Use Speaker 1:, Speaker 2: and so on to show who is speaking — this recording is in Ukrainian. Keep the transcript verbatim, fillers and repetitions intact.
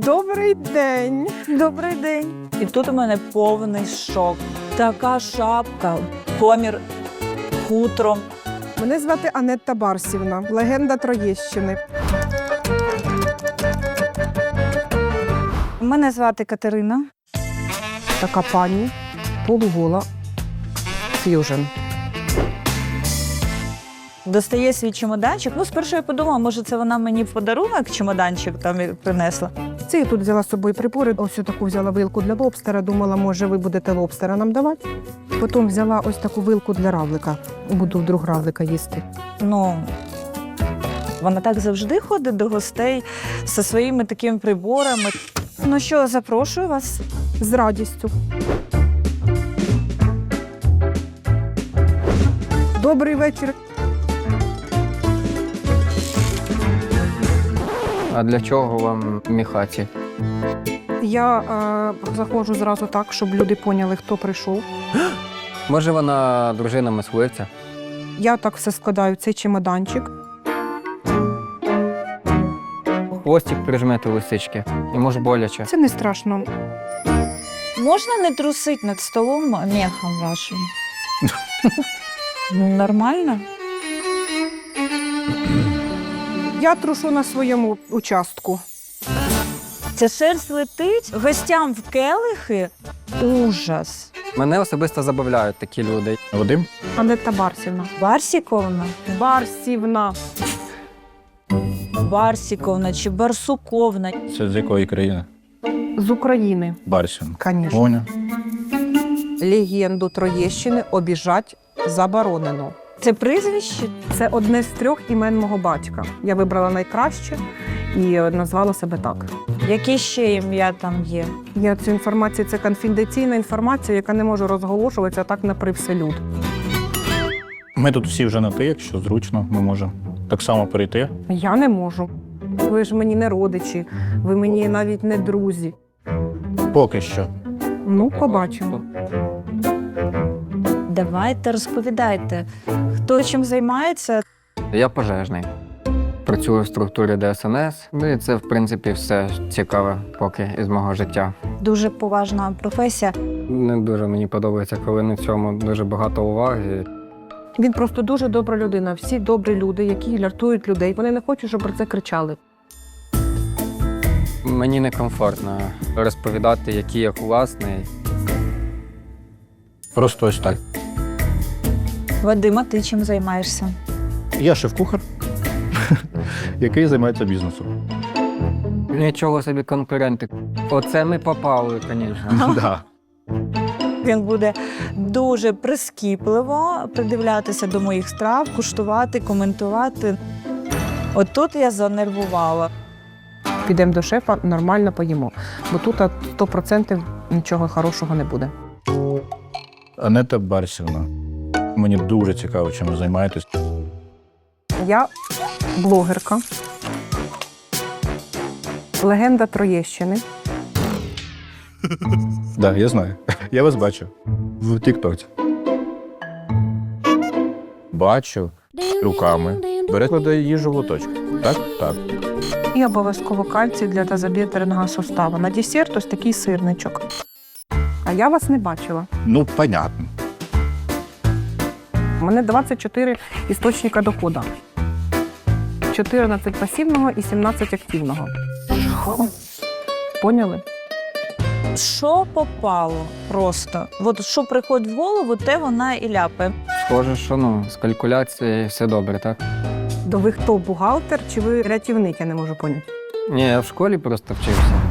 Speaker 1: Добрий день.
Speaker 2: Добрий день. І тут у мене повний шок. Така шапка, комір хутром.
Speaker 1: Мене звати Анетта Барсівна, легенда Троєщини.
Speaker 2: Мене звати Катерина.
Speaker 1: Така пані, полугола, ф'южн.
Speaker 2: Достає свій чемоданчик. Ну, спершу я подумала, може, це вона мені в подарунок чемоданчик там і принесла.
Speaker 1: Це я тут взяла з собою прибори, ось таку взяла вилку для лобстера, думала, може, ви будете лобстера нам давати. Потім взяла ось таку вилку для равлика, буду вдруг равлика їсти.
Speaker 2: Ну, вона так завжди ходить до гостей зі своїми такими приборами. Ну що, запрошую вас.
Speaker 1: З радістю. Добрий вечір.
Speaker 3: А для чого вам міхаті?
Speaker 1: Я е, заходжу зразу так, щоб люди поняли, хто прийшов.
Speaker 3: Може, вона дружина мисливця?
Speaker 1: Я так все складаю в цей чемоданчик.
Speaker 3: Хвостик прижмете лисички. І може боляче.
Speaker 1: Це не страшно.
Speaker 2: Можна не трусить над столом мехом вашим? Нормально?
Speaker 1: Я трушу на своєму участку.
Speaker 2: Ця шерсть летить гостям в келихи. Ужас.
Speaker 3: Мене особисто забавляють такі люди.
Speaker 4: Вадим?
Speaker 1: Анетта Барсівна.
Speaker 2: Барсіковна?
Speaker 1: Барсівна.
Speaker 2: Барсіковна чи Барсуковна.
Speaker 4: Це з якої країни?
Speaker 1: З України,
Speaker 4: Барсін.
Speaker 1: звісно.
Speaker 4: Поняв.
Speaker 1: Легенду Троєщини обіжать заборонено.
Speaker 2: Це прізвище?
Speaker 1: Це одне з трьох імен мого батька. Я вибрала найкраще і назвала себе так.
Speaker 2: Яке ще ім'я там є?
Speaker 1: Я цю інформацію, це конфіденційна інформація, яка не може розголошуватися так на привселюд.
Speaker 4: Ми тут всі вже на ти, якщо зручно, ми можемо так само перейти.
Speaker 1: Я не можу. Ви ж мені не родичі, ви мені навіть не друзі.
Speaker 4: Поки що.
Speaker 1: Ну, побачимо.
Speaker 2: Давайте, розповідайте. Хто чим займається?
Speaker 3: Я пожежний. Працюю в структурі Де Ес Ен Ес. Ну і це, в принципі, все цікаве поки із мого життя.
Speaker 2: Дуже поважна професія.
Speaker 3: Не дуже мені подобається, коли на цьому дуже багато уваги.
Speaker 1: Він просто дуже добра людина. Всі добрі люди, які ляртують людей. Вони не хочуть, щоб про це кричали.
Speaker 3: Мені некомфортно розповідати, який я класний.
Speaker 4: Просто ось так.
Speaker 2: Вадима, ти чим займаєшся?
Speaker 4: Я шеф-кухар, який займається бізнесом.
Speaker 3: Нічого собі конкуренти. Оце ми попали, звісно.
Speaker 4: Да.
Speaker 2: Він буде дуже прискіпливо придивлятися до моїх страв, куштувати, коментувати. От тут я занервувала.
Speaker 1: Підемо до шефа, нормально поїмо. Бо тут сто відсотків нічого хорошого не буде.
Speaker 4: Анетта Барсівна. Мені дуже цікаво, чим ви займаєтесь.
Speaker 1: Я блогерка, легенда Троєщини.
Speaker 4: Так, да, я знаю. Я вас бачу в Тік-Тоці. Бачу руками. Бере, кладе їжу в лоточок. Так? Так.
Speaker 1: І обов'язково кальцій для тазобідренного суставу. На десерт ось такий сирничок. А я вас не бачила.
Speaker 4: Ну, понятно.
Speaker 1: У мене двадцять чотири істочника доходу. чотирнадцять пасивного і сімнадцять активного. Поняли?
Speaker 2: Що попало просто? От що приходить в голову, те вона і ляпає.
Speaker 3: Схоже, що ну, з калькуляцією все добре, так?
Speaker 1: То ви хто, бухгалтер чи ви рятівник, я не можу поняти.
Speaker 3: Ні, я в школі просто вчився.